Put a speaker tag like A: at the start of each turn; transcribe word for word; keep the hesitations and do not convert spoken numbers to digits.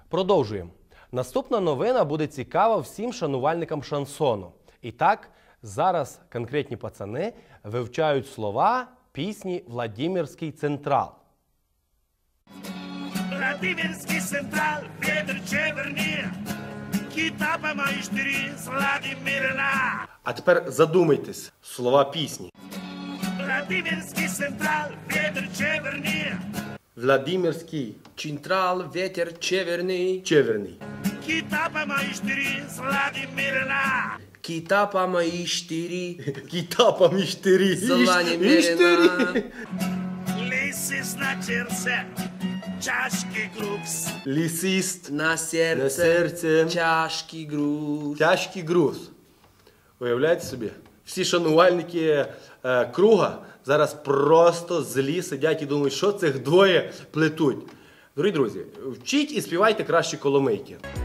A: Продовжуємо. Наступна новина буде цікава всім шанувальникам шансону. І так, зараз конкретні пацани вивчають слова пісні «Владимирський Централ».
B: Владимирский Централ, ветер чеверні, кітапа майстері з Владимирна.
A: А тепер задумайтесь, слова пісні.
B: Владимирский Централ, ветер чеверні,
A: Владимирський
C: Централ, ветер чеверний,
A: Чеверний.
B: кітапа майстері з Владимирна.
C: кітапа мої штирі,
A: Кітапа міштирі.
C: зелені мірина.
B: Лисис на черце, чашки грукс.
A: Лісист.
C: На
A: На
C: серце,
A: серце.
C: тяжкий груз.
A: Тяжкий груз. Уявляєте собі? Всі шанувальники е, круга зараз просто злі сидять і думають, що цих двоє плетуть. Дорогі друзі, вчіть і співайте краще коломийки.